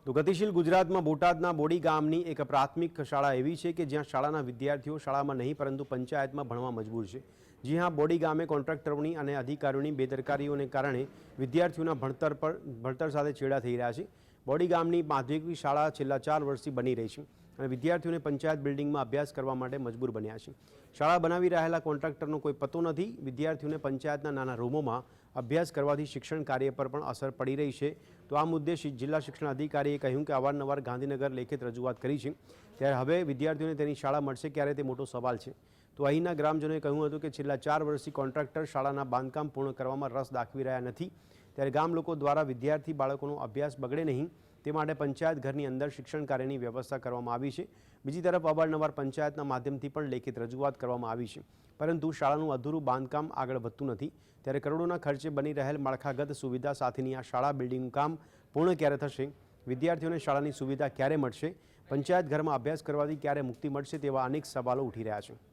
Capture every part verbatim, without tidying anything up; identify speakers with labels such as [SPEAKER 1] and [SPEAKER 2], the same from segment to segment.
[SPEAKER 1] તો ગતિશીલ ગુજરાતમાં બોટાદના બોડી ગામની એક પ્રાથમિક શાળા એવી છે કે જ્યાં શાળાના વિદ્યાર્થીઓ શાળામાં નહીં પરંતુ પંચાયતમાં ભણવા મજબૂર છે। જી હા, બોડી ગામે કોન્ટ્રાક્ટરોની અને અધિકારીઓની બેદરકારીઓને કારણે વિદ્યાર્થીઓના ભણતર પર ભણતર સાથે છેડા થઈ રહ્યા છે। બોડી ગામની માધ્યમિક શાળા છેલ્લા ચાર વર્ષથી બની રહી છે અને વિદ્યાર્થીઓને પંચાયત બિલ્ડિંગમાં અભ્યાસ કરવા માટે મજબૂર બન્યા છે। શાળા બનાવી રહેલા કોન્ટ્રાક્ટરનો કોઈ પતો નથી। વિદ્યાર્થીઓને પંચાયતના નાના રૂમોમાં અભ્યાસ કરવાથી શિક્ષણ કાર્ય પર પણ અસર પડી રહી છે। તો આ મુદ્દે જિલ્લા શિક્ષણ અધિકારીએ કહ્યું કે અવારનવાર ગાંધીનગર લેખિત રજૂઆત કરી છે, ત્યારે હવે વિદ્યાર્થીઓને તેની શાળા મળશે ક્યારે તે મોટો સવાલ છે। તો અહીંના ગ્રામજનોએ કહ્યું હતું કે છેલ્લા ચાર વર્ષથી કોન્ટ્રાક્ટર શાળાના બાંધકામ પૂર્ણ કરવામાં રસ દાખવી રહ્યા નથી, ત્યારે ગામ લોકો દ્વારા વિદ્યાર્થી બાળકોનો અભ્યાસ બગડે નહીં તે માટે પંચાયત ઘરની અંદર શિક્ષણ કાર્યની વ્યવસ્થા કરવામાં આવી છે। બીજી તરફ અવારનવાર પંચાયતના માધ્યમથી પણ લેખિત રજૂઆત કરવામાં આવી છે, પરંતુ શાળાનું અધૂરું બાંધકામ આગળ વધતું નથી। ત્યારે કરોડોના ખર્ચે બની રહેલ માળખાગત સુવિધા સાથેની આ શાળા બિલ્ડિંગનું કામ પૂર્ણ ક્યારે થશે, વિદ્યાર્થીઓને શાળાની સુવિધા ક્યારે મળશે, પંચાયત ઘરમાં અભ્યાસ કરવાથી ક્યારે મુક્તિ મળશે તેવા અનેક સવાલો ઉઠી રહ્યા છે।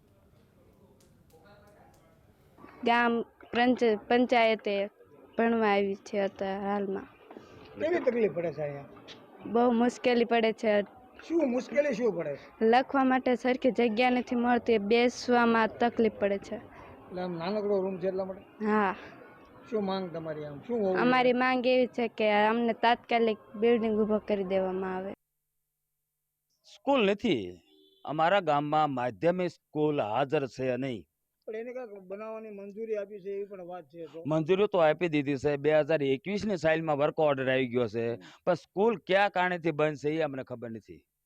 [SPEAKER 2] ગામ પંચાયતે ભણવા આવી છે અત્યારે હાલમાં।
[SPEAKER 3] કેવી તકલીફ પડે છે અહીંયા?
[SPEAKER 2] બહુ મુશ્કેલી પડે છે।
[SPEAKER 3] શું મુશ્કેલી શું પડે છે?
[SPEAKER 2] લખવા માટે સરખી જગ્યા નથી મળતી, બેસવામાં તકલીફ પડે છે।
[SPEAKER 3] એટલે આમ નાનકડો રૂમ છે એટલા માટે?
[SPEAKER 2] હા।
[SPEAKER 3] શું માંગ તમારી? આમ શું હોવું
[SPEAKER 2] અમારી માંગ એવી છે કે અમને તાત્કાલિક બિલ્ડિંગ ઊભો કરી દેવામાં આવે।
[SPEAKER 4] સ્કૂલ નથી અમારા ગામમાં, માધ્યમિક સ્કૂલ હાજર છે નહીં।
[SPEAKER 3] પણ એને કાંઈક બનાવવાની મંજૂરી આપી છે એવી પણ વાત છે। તો
[SPEAKER 4] મંજૂરી તો આપી દીધી છે, બે હજાર એકવીસ ની સાલમાં વર્ક ઓર્ડર આવી ગયો છે, પણ સ્કૂલ કયા કારણેથી બંધ છે એ અમને ખબર નથી।